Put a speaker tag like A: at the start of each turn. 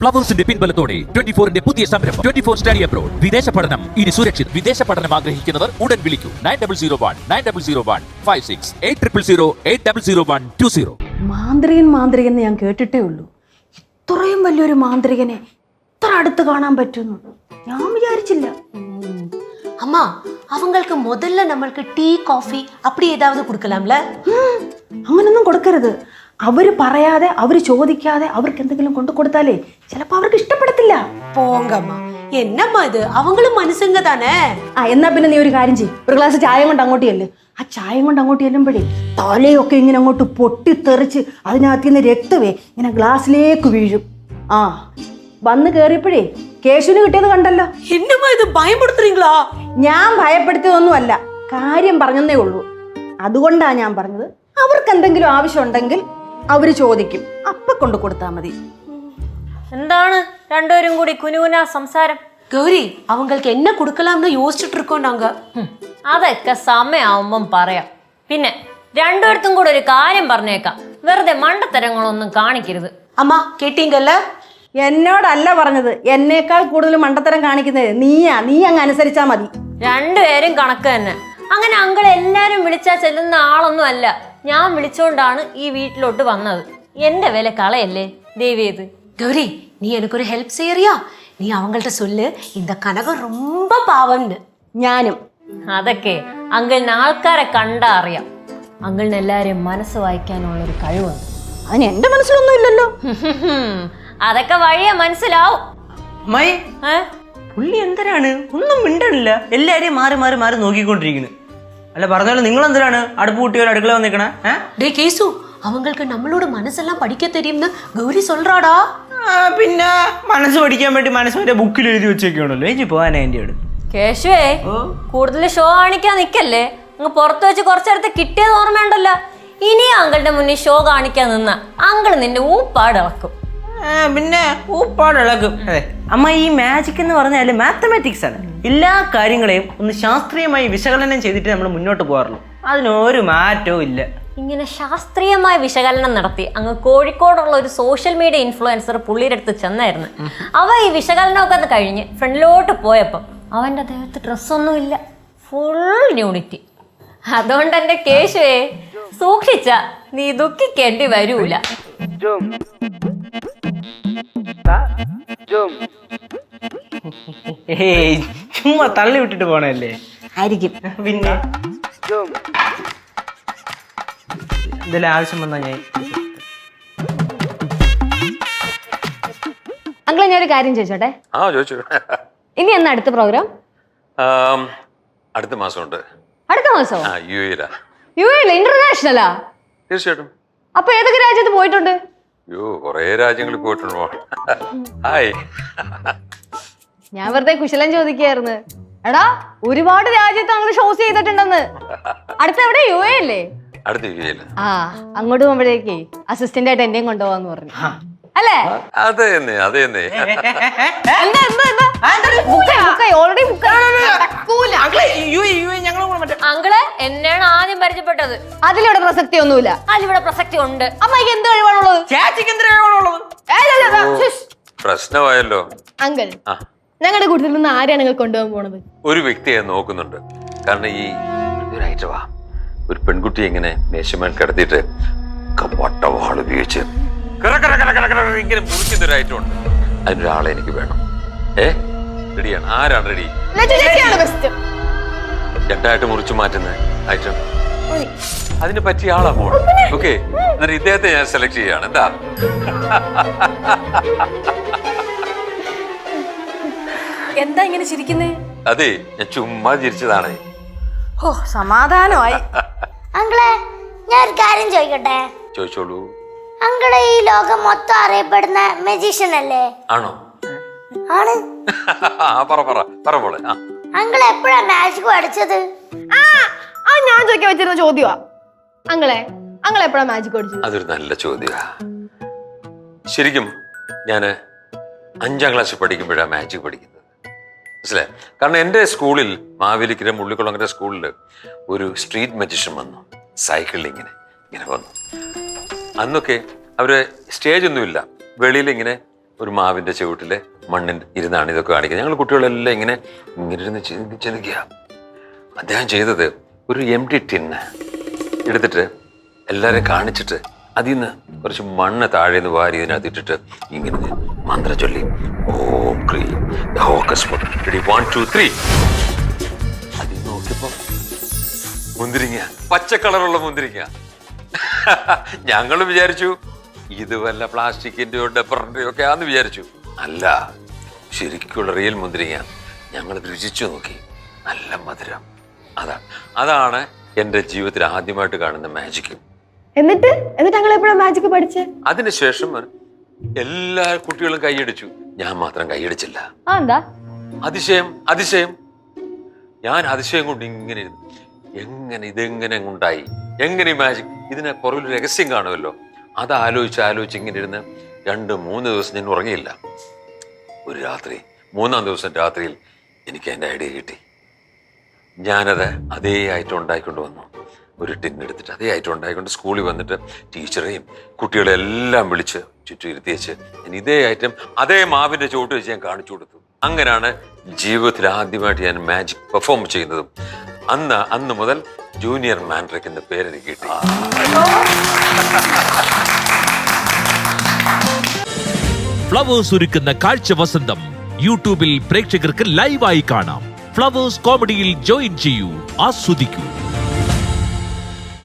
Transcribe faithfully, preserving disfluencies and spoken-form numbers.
A: ഫ്ലവേഴ്സിന്റെ പിൻബലത്തോടെ twenty ഫോറിന്റെ പുതിയ സംരംഭം ട്വന്റി ഫോർ സ്റ്റഡി അബ്രോഡ്. വിദേശ പഠനം ഇനി സുരക്ഷിത്. വിദേശ പഠനം ആഗ്രഹിക്കുന്നവർ ഉടൻ വിളിക്കൂ nine double zero one nine double zero one five six eight triple zero eight double zero one two zero.
B: മാന്ത്രികൻ മാന്ത്രികൻ എന്ന് ഞാൻ കേട്ടിട്ടേ ഉള്ളൂ. ഇത്രയും വലിയൊരു മാന്ത്രികനെ ഇത്ര അടുത്ത് കാണാൻ പറ്റുന്നു ഞാൻ വിചാരിച്ചില്ല.
C: அம்மா அவங்களுக்கு முதல்ல நம்மளுக்கு டீ காஃபி அப்படி ஏதாவது கொடுக்கலாம்ல?
B: അങ്ങനൊന്നും കൊടുക്കരുത്. അവര് പറയാതെ അവര് ചോദിക്കാതെ അവർക്ക് എന്തെങ്കിലും കൊണ്ടു കൊടുത്താലേ ചിലപ്പോ അവർക്ക് ഇഷ്ടപ്പെടത്തില്ല.
C: போங்கம்மா, என்னம்மா இது? அவங்களும் மனுஷங்க தானே.
B: ആ എന്നാ പിന്നെ നീ ഒരു കാര്യം ചെയ്യും, ഒരു ഗ്ലാസ് ചായ കൊണ്ട് അങ്ങോട്ട് ചെല്ല്. ആ ചായ കൊണ്ട് അങ്ങോട്ട് ചെല്ലുമ്പോഴേ തലയൊക്കെ ഇങ്ങനെ അങ്ങോട്ട് പൊട്ടിത്തെറിച്ച് അതിനകത്ത് നിന്ന് രക്തമേ ഇങ്ങനെ ഗ്ലാസ്സിലേക്ക് വീഴും. ആ വന്ന് കേറിയപ്പോഴേ കേശുവിന് കിട്ടിയത് കണ്ടല്ലോ.
C: என்னம்மா இது, பயப்படுத்துறீங்களா?
B: ഞാൻ ഭയപ്പെടുത്തിയതൊന്നുമല്ല, കാര്യം പറഞ്ഞതേ ഉള്ളൂ. അതുകൊണ്ടാ ഞാൻ പറഞ്ഞത് അവർക്ക് എന്തെങ്കിലും ആവശ്യം ഉണ്ടെങ്കിൽ അവര് ചോദിക്കും, അപ്പൊ കൊണ്ടു കൊടുത്താ മതി.
D: എന്താണ് രണ്ടുപേരും കൂടി കുനുകുന സംസാരം?
C: கௌரி, அவங்களுக்கு என்ன கொடுக்கலாம்னு யோசிச்சுட்டு இருக்கோம் நாங்க.
D: അതൊക്കെ സമയമാവുമ്പം പറയാം. പിന്നെ രണ്ടുപേർത്തും കൂടെ ഒരു കാര്യം പറഞ്ഞേക്കാം, വെറുതെ മണ്ടത്തരങ്ങളൊന്നും കാണിക്കരുത്.
C: அம்மா கேட்டீங்கல்ல?
B: എന്നോടല്ല പറഞ്ഞത്, എന്നേക്കാൾ കൂടുതൽ മണ്ടത്തരം കാണിക്കുന്നത് നീയാ. നീ അങ്ങ് അനുസരിച്ചാ മതി.
D: രണ്ടുപേരും കണക്ക് തന്നെ. അങ്ങനെ അങ്കിൾ എല്ലാരും വിളിച്ചാൽ ചെല്ലുന്ന ആളൊന്നും അല്ല. ഞാൻ വിളിച്ചോണ്ടാണ് ഈ വീട്ടിലോട്ട് വന്നത്. എന്റെ വില കളയല്ലേ ദേവിയത്.
C: கௌரி, நீ எனக்கு ஒரு ஹெல்ப் செய்யறியா? நீ அவங்கள்ட்ட சொல்லு, இந்த கனகம் ரொம்ப பாவம்னு.
B: ഞാനും.
D: അതൊക്കെ അങ്കിളിന് ആൾക്കാരെ കണ്ടാ അറിയാം. അങ്കിളിന് എല്ലാരെയും മനസ്സ് വായിക്കാനുള്ളൊരു കഴിവുണ്ട്.
B: അതിന് എന്റെ മനസ്സിലൊന്നും ഇല്ലല്ലോ.
D: അതൊക്കെ വഴിയെ മനസ്സിലാവും.
E: അമ്മായി, പുള്ളി എന്തരാണ് ഒന്നും മിണ്ടണില്ല, എല്ലാരെയും മാറി മാറി മാറി നോക്കിക്കൊണ്ടിരിക്കുന്നു. അല്ല പറഞ്ഞാലും നിങ്ങൾ എന്തിനാണ് അടുപ്പ് കൂട്ടിയോ അടുക്കള വന്നിക്കണേ?
C: டே கேசு, அவங்களுக்கு நம்மளோட மனசெல்லாம் படிக்க தெரியும்னு கௌரி சொல்றாடா.
E: പിന്നെ മനസ്സ് പഠിക്കാൻ വേണ്ടി മനസ്സ് വരെ ബുക്കിൽ എഴുതി വെച്ചേക്കാണല്ലോ. ഏജി പോവാനാ എൻ്റെ അടുത്ത്.
D: കേശുവേ, കൂടുതൽ ഷോ കാണിക്കാൻ നിക്കല്ലേ. അങ്ങ് പുറത്ത് വെച്ച് കുറച്ചേരത്തെ കിട്ടിയത് ഓർമ്മയുണ്ടല്ലോ. ഇനി അങ്കിളുടെ മുന്നിൽ ഷോ കാണിക്കാൻ നിന്ന അങ്കിൾ നിന്റെ ഊപ്പാട് ഇളക്കും.
E: പിന്നെ ഊപ്പാട് ഇളക്കും. അതെ അമ്മ, ഈ മാജിക് എന്ന് പറഞ്ഞാൽ മാത്തമാറ്റിക്സ് ആണ്. എല്ലാ കാര്യങ്ങളെയും ഒന്ന് ശാസ്ത്രീയമായി വിശകലനം ചെയ്തിട്ട് നമ്മൾ മുന്നോട്ട് പോകാറുള്ളൂ. അതിനൊരു മാറ്റവും ഇല്ല.
D: ഇങ്ങനെ ശാസ്ത്രീയമായ വിശകലനം നടത്തി അങ്ങ് കോഴിക്കോടുള്ള ഒരു സോഷ്യൽ മീഡിയ ഇൻഫ്ലുവൻസർ പുള്ളിയുടെ അടുത്ത് ചെന്നായിരുന്നു. അവ ഈ വിശകലനമൊക്കെ ഒന്ന് കഴിഞ്ഞ് ഫ്രണ്ടിലോട്ട് പോയപ്പോൾ അവൻ്റെ ദേഹത്ത് ഡ്രസ്സൊന്നും ഇല്ല, ഫുൾ ന്യൂണിറ്റി. അതുകൊണ്ട് എൻ്റെ കേശുവേ, സൂക്ഷിച്ച നീ ദുഃഖിക്കേണ്ടി വരൂല.
E: ഏയ്, ചുമ്മാ തള്ളി വിട്ടിട്ട് പോണല്ലേ
B: ആയിരിക്കും.
E: പിന്നെ എന്തെങ്കിലും ആവശ്യം വന്നാ ഞാൻ.
F: അങ്കിളെ ഞാൻ ഒരു കാര്യം ചോദിച്ചോട്ടെ?
G: ആ ചോദിച്ചു.
F: ഇനി എന്നാ അടുത്ത പ്രോഗ്രാം?
G: അടുത്ത മാസമുണ്ട്.
F: അടുത്ത മാസോ?
G: യു എയിലാ.
F: യു എയില ഇന്റർനാഷണലാ?
G: തീർച്ചയായിട്ടും.
F: അപ്പൊ ഏതൊക്കെ രാജ്യത്ത് പോയിട്ടുണ്ട്?
G: യോ, കൊറേ രാജ്യങ്ങളിൽ പോയിട്ടുണ്ടോ? ഹായ്.
F: ഞാൻ വെറുതെ കുശലം ചോദിക്കായിരുന്നു. എടാ, ഒരുപാട് രാജ്യത്ത് അങ്ങനെ ഷോസ് ചെയ്തിട്ടുണ്ടെന്ന്. അടുത്ത എവിടെ? യു എ അല്ലേ?
G: അടുത്ത യു എയില്.
F: ആ, അങ്ങോട്ട് പോകുമ്പോഴേക്കേ അസിസ്റ്റന്റ് ആയിട്ട് എന്നെയും കൊണ്ടുപോവാന്ന് പറഞ്ഞു. അല്ലേ?
G: അതെ തന്നെ, അതെ തന്നെ.
F: ഓൾറെഡി
D: അങ്കിള് എന്നെയാണ് ആദ്യം പരിചയപ്പെട്ടത്.
F: അതിലിവിടെ പ്രസക്തി ഒന്നുമില്ല.
D: അതിലിവിടെ പ്രസക്തി ഉണ്ട്.
F: അമ്മയ്ക്ക് എന്ത് കഴിവാണുള്ളത്?
G: പ്രശ്നമായല്ലോ
F: അങ്കിൾ, ഞങ്ങളുടെ കൂട്ടത്തിൽ നിന്ന് ആരെയാണ് നിങ്ങൾ കൊണ്ടുപോകാൻ പോണത്?
G: ഒരു വ്യക്തിയെ നോക്കുന്നുണ്ട്. കാരണം ഈ ഒരാഴ്ചവാ ഒരു പെൺകുട്ടിയെ ഇങ്ങനെ മേശമേൽ കിടത്തിയിട്ട് വട്ടവാൾ ഉപയോഗിച്ച് ഇങ്ങനെ മുറിക്കുന്ന ഒരു ഐറ്റം ഉണ്ട്. അതിനൊരാളെ എനിക്ക് വേണം. ഏ റെഡിയാണ്? ആരാണ് റെഡി? രണ്ടായിട്ട് മുറിച്ചു മാറ്റുന്ന ഐറ്റം അതിന് പറ്റിയ ആളാ പോണം. ഓക്കെ, എന്നിട്ട് ഇദ്ദേഹത്തെ ഞാൻ സെലക്ട് ചെയ്യാണ്. എന്താ?
B: എന്താ ഇങ്ങനെ ചിരിക്കുന്നേ?
G: അതെ, ഞാൻ ചുമ്മാ ചിരിച്ചതാണ്.
B: ഓ, സമാധാനമായി.
H: അങ്കിളെ, ഞാൻ ഒരു കാര്യം ചോദിക്കട്ടെ?
G: ചോദിച്ചോളൂ.
H: അങ്കിള് ഈ ലോകം മൊത്തം അറിയപ്പെടുന്ന മജീഷ്യൻ അല്ലേ?
G: ആണോ?
H: ആണ്.
G: പറ പറ പറ പോലെ.
H: അങ്കിൾ എപ്പോഴാ മാജിക് പഠിച്ചത്?
F: ആ ഞാൻ ചോദിക്കാൻ വെച്ചിരുന്ന ചോദ്യമാ. അങ്ങളെ അങ്ങളെ എപ്പോഴാ മാജിക് പഠിച്ചത്?
G: അതൊരു നല്ല ചോദ്യമാ. ശരിക്കും ഞാന് അഞ്ചാം ക്ലാസ്സിൽ പഠിക്കുമ്പോഴാണ് മാജിക് പഠിക്കുന്നത്. മനസ്സിലായി? കാരണം എൻ്റെ സ്കൂളിൽ, മാവേലിക്കര മുള്ളിക്കുളങ്ങര സ്കൂളിൽ ഒരു സ്ട്രീറ്റ് മജീഷ്യൻ വന്നു. സൈക്കിളിൽ ഇങ്ങനെ ഇങ്ങനെ വന്നു. അന്നൊക്കെ അവര് സ്റ്റേജ് ഒന്നുമില്ല, വെളിയിൽ ഇങ്ങനെ ഒരു മാവിന്റെ ചുവട്ടിലെ മണ്ണിൽ ഇരുന്നാണ് ഇതൊക്കെ കാണിക്കുന്നത്. ഞങ്ങൾ കുട്ടികളെല്ലാം ഇങ്ങനെ ഇങ്ങനെ ഇരുന്ന് ചിന്തിക്കുക. അദ്ദേഹം ചെയ്തത് ഒരു എം ടി ടിന്ന് എടുത്തിട്ട് എല്ലാവരെയും കാണിച്ചിട്ട് അതിൽ നിന്ന് കുറച്ച് മണ്ണ് താഴെ നിന്ന് വാരി ഇതിനകത്ത് ഇട്ടിട്ട് ഇങ്ങനെ മന്ത്രം ചൊല്ലി ഓം ക്രീം ഹോക്കസ് വൺ ടു ത്രീ അതിൽ നോക്കിയപ്പോ മുന്തിരിങ്ങ, പച്ച കളറുള്ള മുന്തിരിങ്ങ. ഞങ്ങൾ വിചാരിച്ചു ഇത് വല്ല പ്ലാസ്റ്റിക്കിന്റെയോ ഡബറിന്റെയോ ഒക്കെ ആന്ന് വിചാരിച്ചു. അല്ല, ശരിക്കുള്ള റിയൽ മുന്തിരിങ്ങ. ഞങ്ങൾ രുചിച്ചു നോക്കി, നല്ല മധുരം. അതാണ് അതാണ് എൻ്റെ ജീവിതത്തിൽ ആദ്യമായിട്ട് കാണുന്ന മാജിക്.
F: എന്നിട്ട് എന്നിട്ട് ഞങ്ങൾ എപ്പോഴാ മാജിക് പഠിച്ചേ?
G: അതിനുശേഷം എല്ലാ കുട്ടികളും കൈയടിച്ചു, ഞാൻ മാത്രം കൈയടിച്ചില്ല.
F: ആ എന്താ
G: അതിശയം അതിശയം ഞാൻ അതിശയം കൊണ്ട് ഇങ്ങനെ ഇരുന്നു. എങ്ങനെ ഇതെങ്ങനെ ഉണ്ടായി, എങ്ങനെ മാജിക്? ഇതിനെ പുറകിൽ രഹസ്യം കാണുമല്ലോ. അത് ആലോചിച്ച് ആലോചിച്ച് ഇങ്ങനെ ഇരുന്ന് രണ്ട് മൂന്ന് ദിവസം ഞാൻ ഉറങ്ങിയില്ല. ഒരു രാത്രി, മൂന്നാം ദിവസം രാത്രിയിൽ എനിക്ക് എൻ്റെ ഐഡിയ കിട്ടി. ഞാനത് അതേ ഐറ്റം ഉണ്ടായിക്കൊണ്ട് വന്നു. ഒരു ടിന്നെടുത്തിട്ട് അതേ ഐറ്റം ഉണ്ടായിക്കൊണ്ട് സ്കൂളിൽ വന്നിട്ട് ടീച്ചറെയും കുട്ടികളെല്ലാം വിളിച്ച് ചുറ്റും ഇരുത്തിയേച്ച് ഞാൻ ഇതേ ഐറ്റം അതേ മാവിൻ്റെ ചുവട്ട് വെച്ച് ഞാൻ കാണിച്ചു കൊടുത്തു. അങ്ങനെയാണ് ജീവിതത്തിൽ ആദ്യമായിട്ട് ഞാൻ മാജിക് പെർഫോം ചെയ്യുന്നതും. അന്ന് അന്ന് മുതൽ ജൂനിയർ മാൻഡ്രിക് എന്ന പേരെനിക്ക് കിട്ടി.
A: ഫ്ലവേഴ്സ് ഒരുക്കുന്ന കാഴ്ച വസന്തം യൂട്യൂബിൽ പ്രേക്ഷകർക്ക് ലൈവായി കാണാം. ഫ്ലവേഴ്സ് കോമഡിയിൽ ജോയിൻ ചെയ്യൂ, ആസ്വദിക്കൂ.